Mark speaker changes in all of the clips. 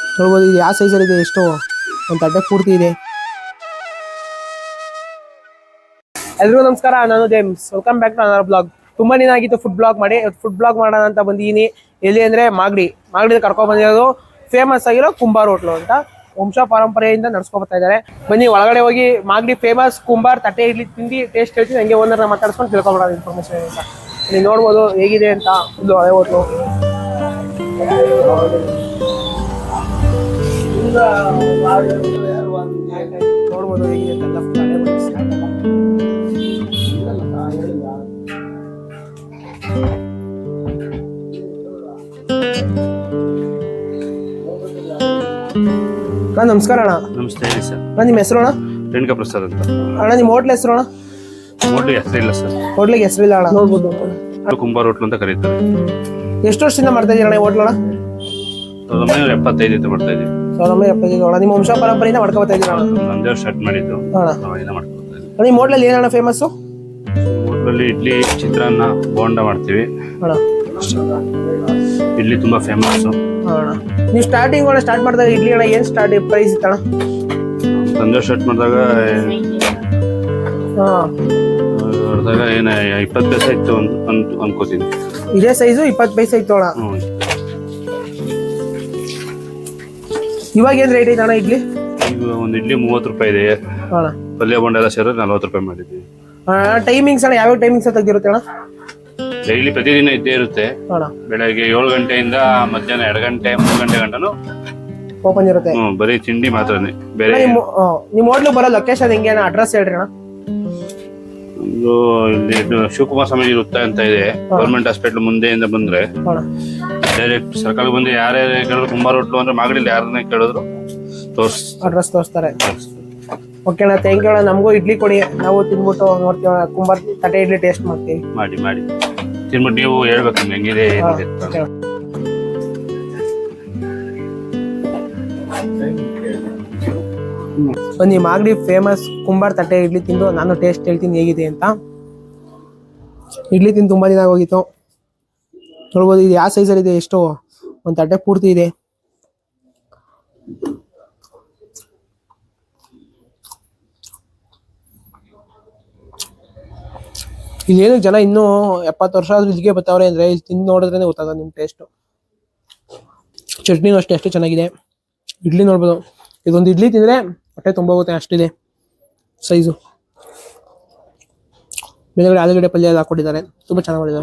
Speaker 1: ನೋಡ್ಬೋದು ಇದು ಯಾವ ಸೈಜಲ್ಲಿ ಇದೆ, ಎಷ್ಟು ಒಂದು ತಟ್ಟೆ ಪೂರ್ತಿ ಇದೆ. ಎಲ್ರಿಗೂ ನಮಸ್ಕಾರ, ನಾನು James. Welcome back to another blog. ತುಂಬಾ ದಿನ ಆಗಿತ್ತು ಫುಡ್ ಬ್ಲಾಗ್ ಮಾಡಿ. ಫುಡ್ ಬ್ಲಾಗ್ ಮಾಡೋಣ ಅಂತ ಬಂದಿದ್ದೀನಿ. ಎಲ್ಲಿ ಅಂದರೆ ಮಾಗಡಿ ಕರ್ಕೊಂಡು ಬಂದಿರೋದು ಫೇಮಸ್ ಆಗಿರೋ ಕುಂಬಾರ್ ಹೋಟ್ಲು ಅಂತ. ವಂಶ ಪರಂಪರೆಯಿಂದ ನಡ್ಸ್ಕೊ ಬರ್ತಾ ಇದ್ದಾರೆ. ಬನ್ನಿ ಒಳಗಡೆ ಹೋಗಿ ಮಾಗಡಿ ಫೇಮಸ್ ಕುಂಬಾರ್ ತಟ್ಟೆ ಇಡ್ಲಿ ತಿಂದು ಟೇಸ್ಟ್ ಹೇಳ್ತೀನಿ. ಹಂಗೆ ಓನರ್ನ ಮಾತಾಡ್ಸ್ಕೊಂಡು ತಿಳ್ಕೊಬೋಣ ಇನ್ಫಾರ್ಮೇಶನ್ ಅಂತ. ನೀವು ನೋಡ್ಬೋದು ಹೇಗಿದೆ ಅಂತ. ಇದು ಹಳೆ ಹೋಟ್ಲು. ನೋಡ್ಬೋದು ಹೇಗಿದೆ ಅಂತ. ನಮಸ್ಕಾರ ಅಣ್ಣ.
Speaker 2: ನಮಸ್ತೆ ಹೇಳಿ ಸರ್.
Speaker 1: ನಿಮ್ಮ ಹೆಸರು ಅಣ್ಣ?
Speaker 2: ರೇಣುಕಾ ಪ್ರಸಾದ್ ಅಂತ.
Speaker 1: ಅಣ್ಣ ನಿಮ್ಮ ಹೋಟ್ಲ್ ಹೆಸರು ಅಣ್ಣ?
Speaker 2: ಹೋಟ್ಲಿಗೆ ಹೆಸರಿಲ್ಲ ಸರ್.
Speaker 1: ಹೋಟ್ಲಿಗೆ ಹೆಸರಿಲ್ಲ ಅಣ್ಣ. ನೋಡ್ಬೋದು
Speaker 2: ಕುಂಬಾರ್ ಹೋಟ್ಲು ಅಂತ ಕರೀತಾರೆ.
Speaker 1: ಎಷ್ಟು ವರ್ಷದಿಂದ ಮಾಡ್ತಾ ಇದ್ದೀರ ಅಣ್ಣ ಈ ಹೋಟ್ಲ್ ಅಣ್ಣ?
Speaker 2: 1975 ಮಾಡ್ತಾ ಇದ್ದೀವಿ.
Speaker 1: 1975 ಅಣ್ಣ. ನಿಮ್ಮ ವಂಶ ಪರಂಪರೆಯಿಂದ ಮಾಡ್ಕೊ ಬರ್ತಾ ಇದ್ದೀರ ಅಣ್ಣ?
Speaker 2: ನಂದೇ ಸ್ಟಾರ್ಟ್ ಮಾಡಿದ್ದು.
Speaker 1: ಅಣ್ಣ
Speaker 2: ಮಾಡ್ಕೊತಾ ಇದ್ದೀವಿ.
Speaker 1: ನಿಮ್ಮ ಹೋಟ್ಲಲ್ಲಿ ಏನಣ್ಣ ಫೇಮಸ್ಸು?
Speaker 2: ಹೋಟ್ಲಲ್ಲಿ ಇಡ್ಲಿ, ಚಿತ್ರಾನ್ನ, ಬೋಂಡ ಮಾಡ್ತೀವಿ.
Speaker 1: ಅಣ್ಣ
Speaker 2: ಇಡ್ಲಿ ತುಂಬಾ ಫೇಮಸ್.
Speaker 1: ಅಣ್ಣ ನೀವು ಸ್ಟಾರ್ಟಿಂಗ್ ಸ್ಟಾರ್ಟ್ ಮಾಡಿದಾಗ ಇಡ್ಲಿ ಅಣ್ಣ ಏನು ಪ್ರೈಸ್ ಇತ್ತಣ್ಣ?
Speaker 2: ಸಂಜೆ ಸ್ಟಾರ್ಟ್ ಮಾಡಿದಾಗ ಏನು 20 ಪೈಸೆ ಇತ್ತು ಅನ್ಕೋತೀನಿ.
Speaker 1: ಇದೇ ಸೈಜು 20 ಪೈಸೆ ಇತ್ತು ಅಣ್ಣ. ಇವಾಗ ಏನ್ ರೇಟ್ ಐತೆ ಅಣ್ಣ ಇಡ್ಲಿ?
Speaker 2: ಈಗ ಒಂದು ಇಡ್ಲಿ 30 ರೂಪಾಯಿ ಇದೆ.
Speaker 1: ಅಣ್ಣ
Speaker 2: ಪಲ್ಯ ಬೋಂಡ ಎಲ್ಲ ಸೇರಿದ್ರೆ 40 ರೂಪಾಯಿ ಮಾಡಿದ್ದೀವಿ.
Speaker 1: ಟೈಮಿಂಗ್ಸ್ ಅಣ್ಣ ಯಾವ ಟೈಮಿಂಗ್ಸ್ ತೆಗ್ದಿರುತ್ತೆ ಅಣ್ಣ?
Speaker 2: ಡೈಲಿ ಪ್ರತಿದಿನ ಇದ್ದೇ ಇರುತ್ತೆ.
Speaker 1: ಅಣ್ಣ
Speaker 2: ಬೆಳಗ್ಗೆ 7 ಗಂಟೆಯಿಂದ ಮಧ್ಯಾಹ್ನ 2 ಗಂಟೆ 3 ಗಂಟೆ ಗಂಟನು
Speaker 1: ಓಪನ್ ಇರುತ್ತೆ.
Speaker 2: ಬರೀ ತಿಂಡಿ ಮಾತ್ರನೇ. ಬೇರೆ
Speaker 1: ನಿಮ್ಮ ಹೋಟ್ಲು ಬರೋ ಲೊಕೇಶನ್ ಹೆಂಗೆ ಅಣ್ಣ? ಅಡ್ರೆಸ್ ಹೇಳ್ರಿ ಅಣ್ಣ.
Speaker 2: ಒಂದು ಇಲ್ಲಿ ಶಿವಕುಮಾರ ಸ್ವಾಮೀಜಿ ವೃತ್ತ ಅಂತ ಇದೆ. ಗೌರ್ಮೆಂಟ್ ಹಾಸ್ಪಿಟಲ್ ಮುಂದೆಯಿಂದ ಬಂದ್ರೆ ಡೈರೆಕ್ಟ್ ಸರ್ಕಲ್ ಬಂದು ಯಾರೇ ಕೇಳಿದ್ರು ಕುಂಬಾರ್ ಹೋಟ್ಲು ಅಂದ್ರೆ ಮಾಗಡಿಲಿ ಯಾರನ್ನೇ ಕೇಳಿದ್ರು
Speaker 1: ಅಡ್ರೆಸ್ ತೋರಿಸ್ತಾರೆ. ಓಕೆ ಅಣ್ಣ, ಥ್ಯಾಂಕ್ ಯು ಅಣ್ಣ. ನಮಗೂ ಇಡ್ಲಿ ಕೊಡಿ, ನಾವು ತಿನ್ಬಿಟ್ಟು ನೋಡ್ತೀವಿ. ಕುಂಬಾರ್ ತಟ್ಟೆ ಇಡ್ಲಿ ಟೇಸ್ಟ್ ಮಾಡ್ತೀವಿ.
Speaker 2: ಮಾಡಿ ತಿನ್ಬಿಟ್ಟು ನೀವು ಹೇಳ್ಬೇಕು ನಿಮ್ಗೆ ಹೆಂಗಿದೆ ಏನಿದೆ.
Speaker 1: ಬನ್ನಿ ಮಾಗಡಿ ಫೇಮಸ್ ಕುಂಬಾರ್ ತಟ್ಟೆ ಇಡ್ಲಿ ತಿಂದು ನಾನು ಟೇಸ್ಟ್ ಹೇಳ್ತೀನಿ ಹೇಗಿದೆ ಅಂತ. ಇಡ್ಲಿ ತಿಂದು ತುಂಬಾ ದಿನ ಆಗೋಗಿತ್ತು. ನೋಡ್ಬೋದು ಇದು ಯಾವ ಸೈಜಲ್ಲಿ ಇದೆ, ಎಷ್ಟು ಒಂದು ತಟ್ಟೆ ಪೂರ್ತಿ ಇದೆ. ಇಲ್ಲೇನು ಜನ ಇನ್ನೂ 70 ವರ್ಷ ಆದ್ರೂ ಇಲ್ಲಿಗೆ ಬರ್ತಾವ್ರೆ ಅಂದ್ರೆ ಇಲ್ಲಿ ತಿಂದು ನೋಡಿದ್ರೆ ಗೊತ್ತಾಗ ನಿಮ್ಮ ಟೇಸ್ಟು. ಚಟ್ನಿನೂ ಅಷ್ಟೇ ಎಷ್ಟು ಚೆನ್ನಾಗಿದೆ. ಇಡ್ಲಿ ನೋಡ್ಬೋದು, ಇದೊಂದು ಇಡ್ಲಿ ತಿಂದರೆ ಹೊಟ್ಟೆ ತುಂಬ ಹೋಗುತ್ತೆ ಅಷ್ಟಿದೆ ಸೈಜು. ಮೇಲ್ಗಡೆ ಆಲೂಗಡ್ಡೆ ಪಲ್ಯ ಎಲ್ಲ ಹಾಕೊಂಡಿದ್ದಾರೆ, ತುಂಬ ಚೆನ್ನಾಗಿ ಮಾಡಿದ್ದಾರೆ.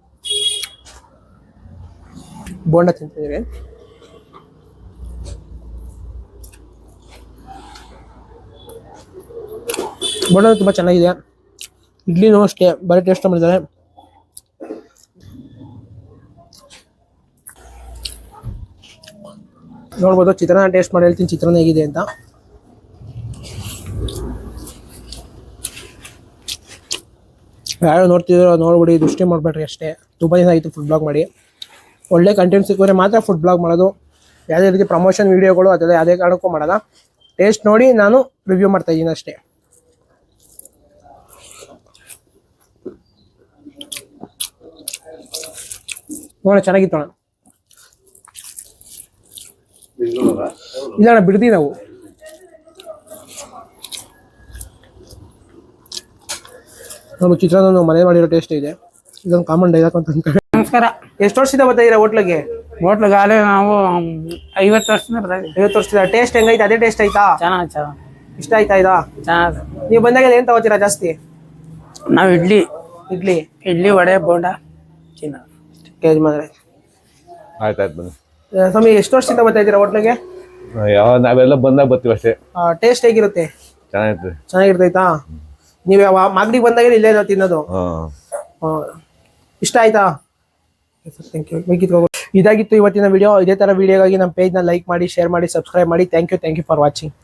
Speaker 1: ಬೋಂಡ ತಿಂತಿದ್ದೀವಿ. ಬೋಂಡ ತುಂಬ ಚೆನ್ನಾಗಿದೆ. ಇಡ್ಲಿನೂ ಅಷ್ಟೇ ಬರೀ ಟೇಸ್ಟ್ ಮಾಡಿದ್ದಾರೆ. ನೋಡ್ಬೋದು ಚಿತ್ರಾನ್ನ ಟೇಸ್ಟ್ ಮಾಡಿ ಹೇಳ್ತೀನಿ ಚಿತ್ರಾನ್ನ ಹೇಗಿದೆ ಅಂತ. ಯಾರು ನೋಡ್ತಿದ್ರು ನೋಡ್ಬಿಡಿ, ದೃಷ್ಟಿ ಮಾಡಬೇಡ್ರಿ ಅಷ್ಟೇ. ತುಂಬ ದಿನ ಆಯಿತು ಫುಡ್ ಬ್ಲಾಗ್ ಮಾಡಿ. ಒಳ್ಳೆ ಕಂಟೆಂಟ್ ಸಿಕ್ಕಿದ್ರೆ ಮಾತ್ರ ಫುಡ್ ಬ್ಲಾಗ್ ಮಾಡೋದು. ಯಾವುದೇ ರೀತಿ ಪ್ರಮೋಷನ್ ವೀಡಿಯೋಗಳು ಅದೆಲ್ಲ ಯಾವುದೇ ಕಾರಣಕ್ಕೂ ಮಾಡೋಲ್ಲ. ಟೇಸ್ಟ್ ನೋಡಿ ನಾನು ರಿವ್ಯೂ ಮಾಡ್ತಾ ಇದ್ದೀನಿ ಅಷ್ಟೇ. ನೋಡ ಚೆನ್ನಾಗಿತ್ತು ಅಣ್ಣ. ಇಲ್ಲ ಅಣ್ಣ ಬಿಡ್ತೀವಿ ನಾವು. ನಮ್ಮ ಚಿತ್ರಾನ್ನ ಮನೆ ಮಾಡಿರೋ ಟೇಸ್ಟ್ ಇದೆ. ಇದೊಂದು ಕಾಮನ್ ಡೈಲಾಗ್ ಅಂತ ಅನ್ಕೊಂಡೆ.
Speaker 3: ನಮಸ್ಕಾರ.
Speaker 1: ಎಷ್ಟು ವರ್ಷದಿಂದ ಬರ್ತಾ ಇದೀರಾ ಹೋಟ್ಲಿಗೆ?
Speaker 3: ಹೋಟ್ಲಿಗಾಲೆ ನಾವು 50 ವರ್ಷದಿಂದ ಬರ್ತಾ ಇದ್ದೀವಿ.
Speaker 1: 50 ವರ್ಷದಿಂದ. ಟೇಸ್ಟ್ ಹೆಂಗೈತೆ? ಅದೇ ಟೇಸ್ಟ್ ಆಯ್ತಾ?
Speaker 3: ಚೆನ್ನಾಗಿ
Speaker 1: ಇಷ್ಟ ಆಯ್ತಾ?
Speaker 3: ಚೆನ್ನಾಗಿ.
Speaker 1: ನೀವು ಬಂದಾಗ ಏನ್ ತಗೋತೀರಾ ಜಾಸ್ತಿ?
Speaker 3: ನಾವು
Speaker 1: ಇಡ್ಲಿ
Speaker 3: ವಡೆ ಬೋಂಡ ಚಿನ್ನ
Speaker 1: ಕೇಜ್ ಮಾಡಿದ್ರೆ
Speaker 4: ಆಯ್ತಾಯ್ತು ಬನ್ನಿ.
Speaker 1: ಸ್ವಾಮಿ ಎಷ್ಟು ವರ್ಷದಿಂದ ಬರ್ತಾ ಇದ್ದೀರಾ ಹೋಟ್ಲಿಗೆ?
Speaker 4: ನಾವೆಲ್ಲ ಬಂದಾಗ ಬರ್ತೀವಿ ಅಷ್ಟೇ.
Speaker 1: ಟೇಸ್ಟ್ ಹೇಗಿರುತ್ತೆ? ಚೆನ್ನಾಗಿರ್ತೈತಾ? ನೀವು ಯಾವ ಮಾಗಡಿಗೆ ಬಂದಾಗ ಇಲ್ಲೇ ನಾವು ತಿನ್ನೋದು. ಇಷ್ಟ ಆಯ್ತಾ? Thank you. ಇದಾಗಿತ್ತು ಇವತ್ತಿನ ವಿಡಿಯೋ. ಇದೇ ತರ ವಿಡಿಯೋಗಾಗಿ ನಮ್ಮ ಪೇಜ್ನ ಲೈಕ್ ಮಾಡಿ, ಶೇರ್ ಮಾಡಿ, ಸಬ್ಸ್ಕ್ರೈಬ್ ಮಾಡಿ. Thank you for watching.